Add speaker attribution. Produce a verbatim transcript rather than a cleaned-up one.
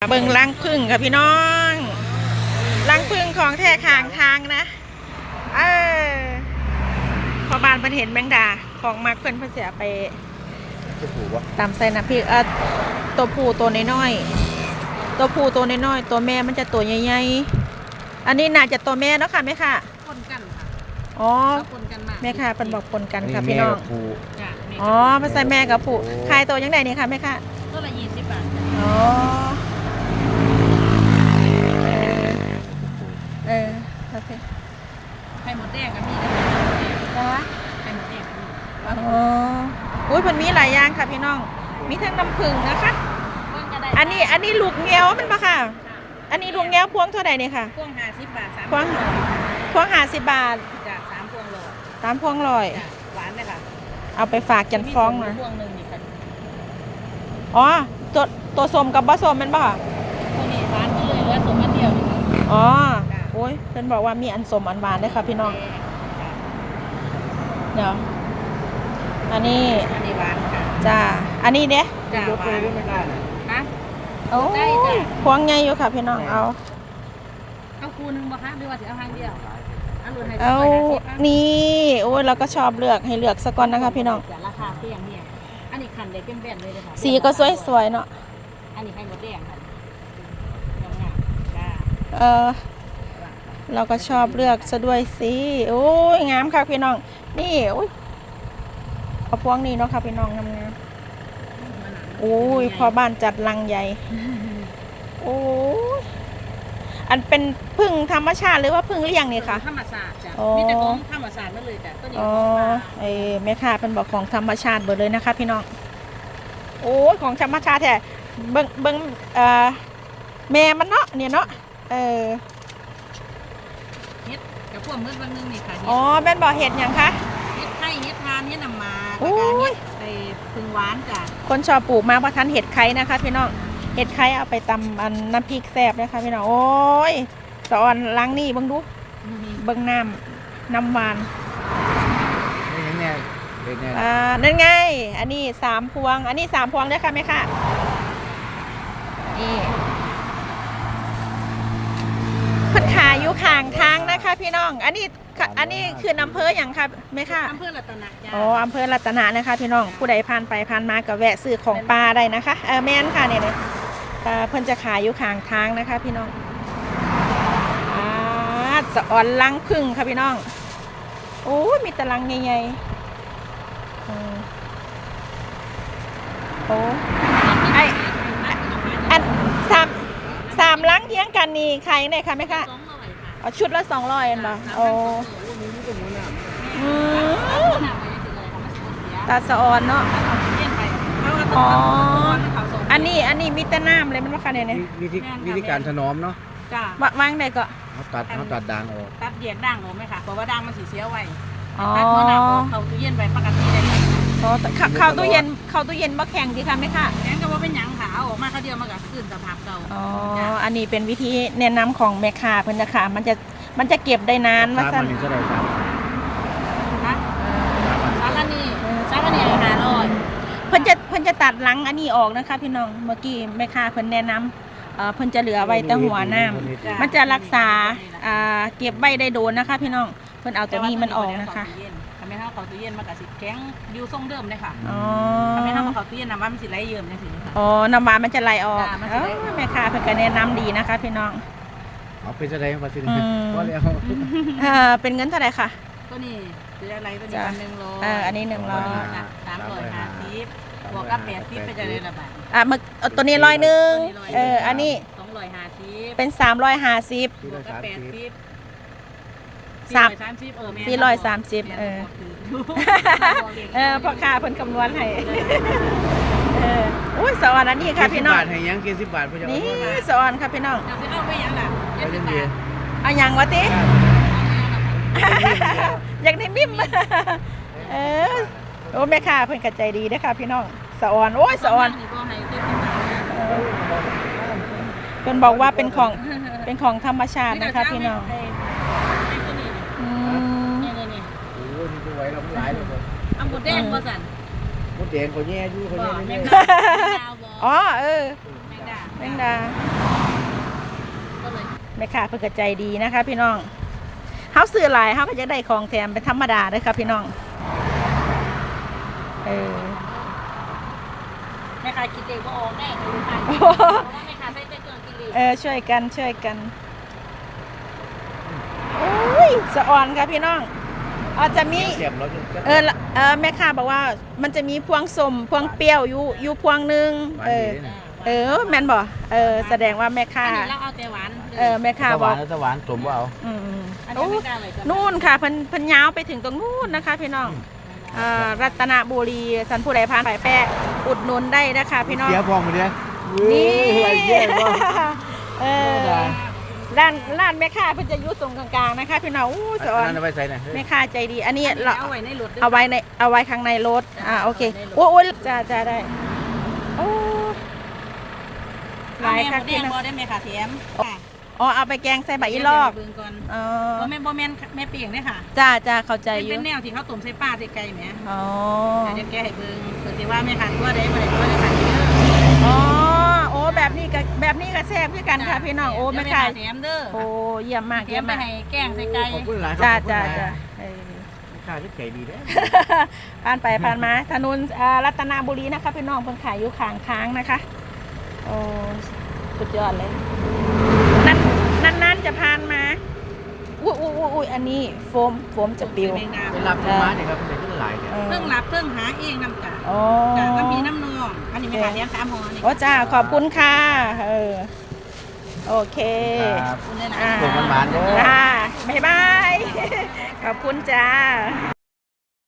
Speaker 1: เบิ่งรังผึ้งค่ะพี่น้องรังผึ้งของแท้ข้างทางนะเออพอบานเพิ่นเห็นแมงดาของมักเพิ่นเพิ่นเสียไปตามใส่น้ำพริกเออตัวผู้ตัวน้อยๆตัวผู้ตัวน้อยๆตัวแม่มันจะตัวใหญ่ๆอันนี้น่าจะตัวแม่เนาะค่ะแม่ค่ะ
Speaker 2: ปนกันค่ะ
Speaker 1: อ๋อ
Speaker 2: ปนกันมาก
Speaker 1: แม่ค่ะเพิ่นบอกปนกันค่ะพี่น้องอ๋อภาษาแม่กับผู้ขายตัวยังไงนี่ค่ะแม่ค่ะ
Speaker 2: ตัวละยี่สิบบาท
Speaker 1: อ๋อเออโอเค
Speaker 2: ไข่หมดแดงกับมี
Speaker 1: นะ
Speaker 2: ไข่หมดแดงกับมี
Speaker 1: อ๋ออุ้ยมันมีหลายอย่างค่ะพี่น้องมีทั้งน้ำผึ้งนะคะอันนี้อันนี้ลูกเงี้ยวมันปะค่ะอันนี้ลูกเงี้ยวพวงเท่าไหร่เนี่ยค่ะ
Speaker 2: พวงห้าสิบบาทสาม
Speaker 1: พวงพวงห้าสิบบาท
Speaker 2: จากสามพวงโล
Speaker 1: สามพวงลอย
Speaker 2: หวานเลยค่ะ
Speaker 1: เอาไปฝากจันฟ้องนะ
Speaker 2: พวงหนึ่งนี่ค่ะ
Speaker 1: อ๋อตัวตัวสมกับบะสมมันปะค่ะ
Speaker 2: ตัวนี้หวานก็เลยเหลือสมอันเดียวนี่
Speaker 1: อ๋อโอ้ยเพิ่นบอกว่ามีอันสมอันหวานด้วยค่ะพี่น้องเดี๋ยวอันนี้
Speaker 2: อันนี้หวานค่ะ
Speaker 1: จ้าอันนี้เด้
Speaker 2: จ้าหวานฮะ
Speaker 1: โอ้พวงไงอยู่ค่ะพี่น้องเอา
Speaker 2: เอาคูนึงบ่คะหรือว่าสิเอาหางเดียว
Speaker 1: เอานี่โอ้ยเราก็ชอบเลือกให้เลือกสักก่อนนะคะพี่น้อง
Speaker 2: ราคาเพียงเนี่ยอันนี้ขันเด็กเป็นแบนเลยเลยค่ะ
Speaker 1: สีก็สวยๆเนาะ
Speaker 2: อันนี้ไข่มดแดงค่ะ
Speaker 1: เออเราก็ชอบเลือกซะด้วยสิโอ้ยงามค่ะพี่น้องนี่โอ้ยเอาพวงนี้เนาะค่ะพี่น้องงามๆโอ้ยพอบ้านจัดลังใหญ่โอ้ยอันเป็นพึ่งธรรมชาติหรือว่าพึ่งเลี้ยงนี่ค่ะ
Speaker 2: ธรรมชาติจ้ะมีแต่ของธรรมชาตินั่นเลยจ้ะตัวนี้
Speaker 1: อ๋อไอ้แม่ค้าเป็นบอกของธรรมชาติหมดเลยนะคะพี่น้องโอ้ยของธรรมชาติแท้เบิ่งเบิ่งเอ่อแม่มันเนาะเนี่ยเนาะเออ
Speaker 2: เฮ็ดกับพวกมื้อวันนึงนี่ค่ะ
Speaker 1: อ๋อแม่นบอกเห็ดอย่างคะ
Speaker 2: เฮ็ดไข่เฮ็ดทานเฮ็ดน้ำมาแล้วก็เฮ็ดไอ้พึ่งหวานจ้ะ
Speaker 1: คนชอบปลูกมากเพราะทันเห็ดไข่นะคะพี่น้องเห็ดไข่เอาไปตำอันน้ำพริกแซ่บนะคะพี่น้องโอ้ยสอนล้างนี่เบิ่งดูเบิ่งน้ำน้ำหวาน
Speaker 3: นี่ไง
Speaker 1: อ่านั่นไงอันนี้สามพวงอันนี้สามพวงได้ค่ะไหมค่ะนี่พันขายอยู่ข้างทางนะคะพี่น้องอันนี้อันนี้คืออำเภออย่างค่ะไหมค่ะ
Speaker 2: อำเภอรัตนะ
Speaker 1: อ๋ออำเภอรัตนะนะคะพี่น้องผู้ใดผ่านไปผ่านมาก็แวะซื้อของปลาได้นะคะเออแม่นค่ะเนี่ยเพิ่นจะขายอยู่ข้างทางนะคะพี่น้องอ่าสะอ่อนลังผึ้งค่ะพี่น้องโอ้มีตะลังใหญ่ๆโอ้ไออันสามสามลังเทียงกันนี่ขายยังไงคะไหมคะชุดละสองร้อยเหรอโอ้ตาสะออนเนาะอ๋ออันนี้อันนี้มีแต่น้ำเลยมันว่าคะเนี่ย
Speaker 3: วิธีวิธีการถนอมเนาะ
Speaker 1: วางได้ก็
Speaker 3: เขาตัดเขาตัดด่างออก
Speaker 2: ตัดเดียกด่างออกไหมคะเพราะว่าด่างมันสีเสียไว้ตัดหัวหน้าเขาตู้เย็นไปปกติเลย
Speaker 1: อ๋อเข้าตู้เย็นเข้าตู้เย็นบ่แข็งดีค่ะไหมคะ
Speaker 2: แข็งก็ว่าเป็นหยังขาออกมาเขาเดียวมากับคืนสภาพเก่า
Speaker 1: อ๋ออันนี้เป็นวิธีแนะนำของแม่ค้าเพิ่นนะคะมันจะมันจะเก็บได้นานว่า
Speaker 3: สั่นมันจะได้ครับ
Speaker 2: นะสารนี่สารนี่หาร้อย
Speaker 1: เพิ่นจะเพิ่นจะตัดหลังอันนี้ออกนะคะพี่น้องเมื่อกี้แม่ค้าเพิ่นแนะนำเอ่อเพิ่นจะเหลือไว้แต่หัวน้ำมันจะรักษาอ่าเก็บไว้ได้โดนนะคะพี่น้องเพิ่นเอาตัวนี้มันออกนะคะ
Speaker 2: ทำให้เขาเขาตู้เย็นมันกับสิแข็งอยู่ทรงเดิมเลยค่ะ
Speaker 1: อ๋อ
Speaker 2: ทำให้เขาเขาตู้เย็นน้ำมันมันสิไหลเยิ้มจังซี่ค่ะ
Speaker 1: อ๋อน้ำมันมันจะไหลออกแม่ค้าเพิ่นก็แนะนำดีนะคะพี่น้อง
Speaker 3: เอาเป็นจะได้มาสิว่าแล้ว
Speaker 1: เออเป็นเงินเท่าไหร่ค่ะ
Speaker 2: ตัวนี้ซื้ออะไรตัวนี้พันหนึ่งโล
Speaker 1: เอออันนี้หนึ่งร้อย
Speaker 2: สามร้อยห้าสิบบวกกับแปดสิบไปจะได้ระบาด
Speaker 1: อ่ะมึกตัวนี้ร้อยหนึ่งเอออันนี้
Speaker 2: สองร้อยห้าสิบ
Speaker 1: เป็นสามร้อยห้าสิบบ
Speaker 2: วกกับแปดสิบ
Speaker 1: สาม
Speaker 2: สี่
Speaker 1: ร้อยสามสิบเออเออพ่อค้าเพิ่นคำนวณให้เอออุ้ยสอนอันนี้ค่ะพี่น้อง
Speaker 3: บาทให้ยังเกี่สิบบาทพ่อเจ้า
Speaker 1: นี่สอนค่ะพี่น้อง
Speaker 2: เอาไปเอาไปยังล่ะเจ็ดสิบบาท
Speaker 1: เอายังวะติอยากได้มิ่มเออโอ้แม่ค้าเพิ่นกระใจดีนะคะพี่น้องสอนโอ้ยสอนเพิ่นบอกว่าเป็นของเป็นของธรรมชาตินะคะพี่น้อง
Speaker 2: อืมนี่นี่นี่
Speaker 3: โอ้ยนี่ตัวไว้เราหลายเลย
Speaker 2: เอาหมดแดงบ่สั่น
Speaker 3: หมดแดงเขาแย่อยู่เขาแย่
Speaker 1: อ๋อเออแมงดา
Speaker 2: ก็เลย
Speaker 1: แม่ค้าเพิ่นก็ใจดีนะคะ พี่น้องเฮาซื้อหลายเฮาก็จะได้ของแถมเป็นธรรมดาเด้อค่ะพี่น้องเออ
Speaker 2: แม่ค้าคิดเองว่าออกแน่คือค่ะเพราะว่าแม่ค้าใช้เครื่องกินเอง
Speaker 1: เออช่วยกันช่วยกันโอ้ยสะอ่อนค่ะพี่น้องอาจจะมี
Speaker 3: เสียมรถ
Speaker 1: เออละเออแม่ค้าบอกว่ามันจะมีพวงสมพวงเปรี้ยวอยู่อยู่พวงหนึงเออเออแม่นบ่เออแสดงว่าแม่ค้า
Speaker 2: อันนี้เราเอาแต่หวาน
Speaker 1: เออแม่ค้า
Speaker 3: ห
Speaker 1: บ
Speaker 3: วา
Speaker 1: อน ก
Speaker 3: แล้วหวานสมว่าเอา
Speaker 1: อืม
Speaker 2: อัน
Speaker 1: โอ้
Speaker 2: นี้ไม่กล้าเลย
Speaker 1: นู่นค่ะเพิ่นเพิ่นยาวไปถึงตรงนู่นนะคะพี่น้องอ่ารัตนบุรีสันผู้ใดผ่านไปแปะอุดหนุนได้นะคะพี่น้อง
Speaker 3: เสียพองมาเนี่ย
Speaker 1: นี่
Speaker 3: อะไรแย่บ่
Speaker 1: เออร้านร้านแม่ค้าเพิ่นจะอยู่ตรงกลางๆนะคะพี่น้องอู้สอน
Speaker 3: นั่นเอาไปใส่หน่อย
Speaker 1: แม่ค้าใจดี อันนี้
Speaker 2: อันนี้
Speaker 1: เรา
Speaker 2: เอาไว้ในรถ
Speaker 1: เอาไว้ในเอาไว้ข้างในรถอ่าโอเคโอ้ยจ้าจ้าได้โอ้ห
Speaker 2: ลา
Speaker 1: ลาย ย
Speaker 2: ค่ะ
Speaker 1: ค่ะ
Speaker 2: เตี
Speaker 1: พี่
Speaker 2: ยง
Speaker 1: น้อง
Speaker 2: บ่ได้แม่ค่ะแถมค่ะ
Speaker 1: อ๋อเอาไปแกงใส่ใบอีลอก
Speaker 2: เบิ่งก่อน
Speaker 1: อ๋อ
Speaker 2: บ่แม่นบ่แม่นแม่เปียงเด้อค่ะ
Speaker 1: จ้าจ้าเข้าใจอยู่
Speaker 2: เป็นแนวที่เขาต้มใส่ปลาใส่ไก่แหม
Speaker 1: อ๋อ
Speaker 2: เดี๋ยวแกให้เบิ่งเพิ่นสิว่าแม่ค่ะตัวใดบ่ได้ตัวใดค่ะเด้อ
Speaker 1: อ๋อโอ้แบบนี้ก็แบบนี้ก็แซ่บคือกันค่ะพี่น้องโอ้แม่ค้า
Speaker 2: แถมเด้อ
Speaker 1: โอ้เยี่ยมมาก
Speaker 2: แถ
Speaker 1: เยี่ย
Speaker 2: ม
Speaker 1: ม
Speaker 2: ไป
Speaker 1: มาก
Speaker 2: ให้แกงใส่ไก่
Speaker 3: ขอบคุณหลาย
Speaker 1: จ้าจ้าจ้าเออ
Speaker 3: ค่าที่ใจดีเด้
Speaker 1: ผ่านไปผ่านมาถนนอ่ารัตนบุรีนะคะพี่น้องเพิ่งขายอยู่ข้างทางนะคะโอ้สุดยอดเลยนั่นนั่นนั่นจะผ่านมาอุ้ยอุ้ยอุ้ยอุ้ยอันนี้โฟมโฟมจะปิว
Speaker 2: แมงดา
Speaker 3: ไปรับที่มาเนี่ยครับเป็นที่หลายเนี่ย
Speaker 1: เออ
Speaker 2: เครื่องรับเครื่องหาเองนำจ้ะ
Speaker 1: อ๋อ
Speaker 2: จ้ะก็มีน้ำนองอันนี้แม่ค่ะแถมสามห่อนี่
Speaker 1: โอ้จ้าขอบคุณค่ะเออโอเค
Speaker 3: ครับ
Speaker 2: คุณเลยนะ
Speaker 1: อ่า
Speaker 3: ส่งมันหวานๆเด้อ
Speaker 1: จ้าบ๊ายบาย ขอบคุณจ้า